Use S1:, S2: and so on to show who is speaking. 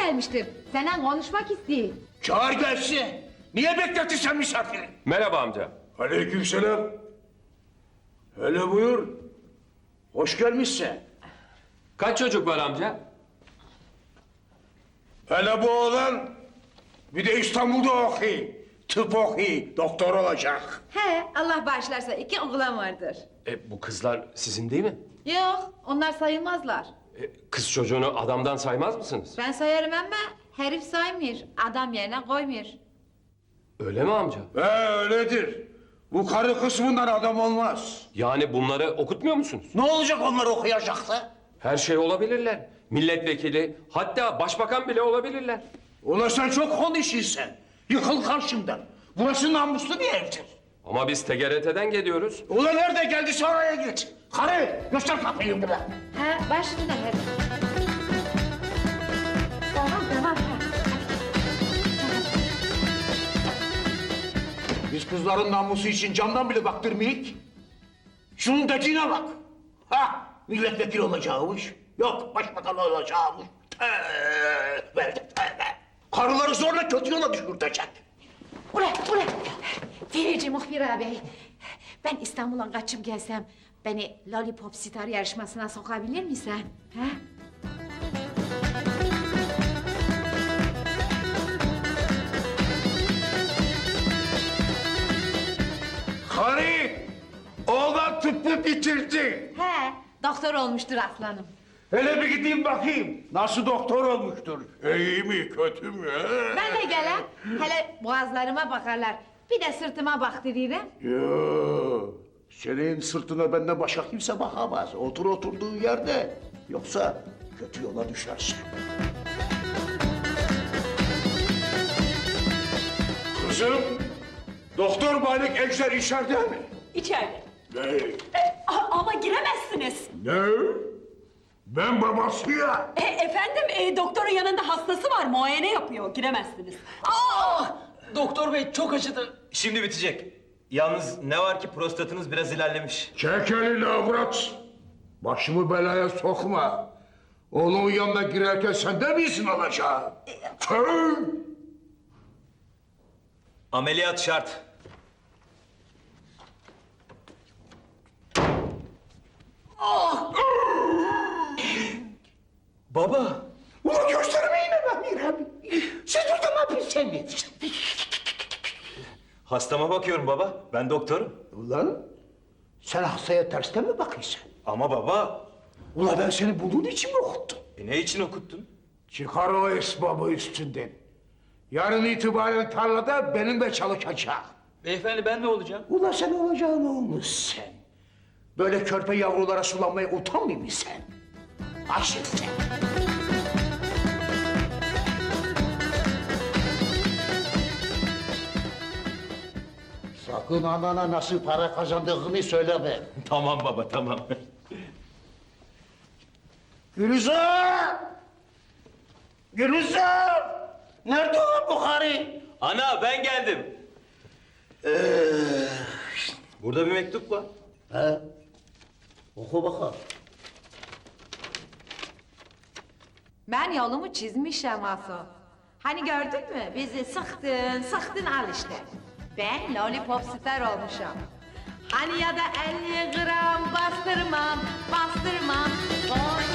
S1: gelmiştir. Seninle konuşmak istiyor.
S2: Çağır gelsin. Niye bekletirsen misafiri?
S3: Merhaba amca.
S2: Aleykümselam. Hele buyur. Hoş gelmişsin.
S3: Kaç çocuk var amca?
S2: Hele bu oğlan bir de İstanbul'da okuyor. Tıp okuyor. Doktor olacak.
S1: He, Allah bağışlarsa 2 oğlan vardır.
S3: Bu kızlar sizin değil mi?
S1: Yok, onlar sayılmazlar.
S3: Kız çocuğunu adamdan saymaz mısınız?
S1: Ben sayarım ama herif saymıyor. Adam yerine koymuyor.
S3: Öyle mi amca?
S2: Öyledir. Bu karı kısmından adam olmaz.
S3: Yani bunları okutmuyor musunuz?
S2: Ne olacak onlar okuyacaktı?
S3: Her şey olabilirler. Milletvekili, hatta başbakan bile olabilirler.
S2: Ulan sen çok konuşuyorsun. Yıkıl karşımdan. Burası namuslu bir evdir.
S3: Ama biz TGRT'den geliyoruz.
S2: Ulan nerede geldiyse oraya git. Karı göster kapıyı buna.
S1: He, başına her. Tamam.
S2: Biz kızların namusu için camdan bile baktırmayık. Şunun dediğine bak. Ha, milletvekili olacakmış. Yok, başbakan olacakmış. Tövbe. Karıları zorla kötü yola düşürtecek.
S1: Ulan. Ferici muhbir abi. Ben İstanbul'a kaçıp gelsem beni Lollipop Star yarışmasına sokabilir misin? He?
S2: Karı, oğlan tıbbı bitirdi.
S1: He, doktor olmuştur aslanım.
S2: Hele bir gideyim bakayım. Nasıl doktor olmuştur? İyi mi, kötü mü?
S1: Ben de gelen, hele boğazlarıma bakarlar. Bir de sırtıma baktırırım.
S2: Yoo, senin sırtına benden başka kimse bakamaz. Otur oturduğun yerde. Yoksa kötü yola düşersin. Kızım, Doktor Malik Ejder içeride mi?
S4: İçeride.
S2: Ne?
S4: Ama giremezsiniz.
S2: Ne? Ben babasıyım.
S4: Efendim, doktorun yanında hastası var, muayene yapıyor. Giremezsiniz.
S5: Doktor bey çok acıdı. Şimdi bitecek. Yalnız ne var ki prostatınız biraz ilerlemiş.
S2: Çek elini avrat. Başımı belaya sokma. Oğlumun yanına girerken sen de mi izin alacaksın? Tüh!
S5: Ameliyat şart. Baba.
S2: Ulan gösterime inanamıyorum abi. Siz burada ne yapıyorsunuz?
S5: Hastama bakıyorum baba. Ben doktorum.
S2: Ulan sen hastaya tersten mi bakıyorsun?
S5: Ama baba.
S2: Ulan ben seni bunun için mi okuttum?
S5: Ne için okuttun?
S2: Çıkar o esbabı üstünden. Yarın itibaren tarlada benimle çalışacak.
S5: Beyefendi ben ne olacağım?
S2: Ulan sen olacağın olmuş sen. Böyle körpe yavrulara sulanmaya utanmıyor musun sen? Aşık sen. Sakın anana nasıl para kazandığını söyleme.
S5: Tamam baba tamam.
S2: Gülizar! Gülizar! Nerede o Bukhari?
S5: Ana ben geldim. Burada bir mektup var.
S2: He? Oku bakalım.
S1: Ben yolumu çizmişim Asu. Hani gördün mü? Bizi sıktın al işte. Ben Lollipop Star olmuşum. Hani ya da 50 gram bastırmam.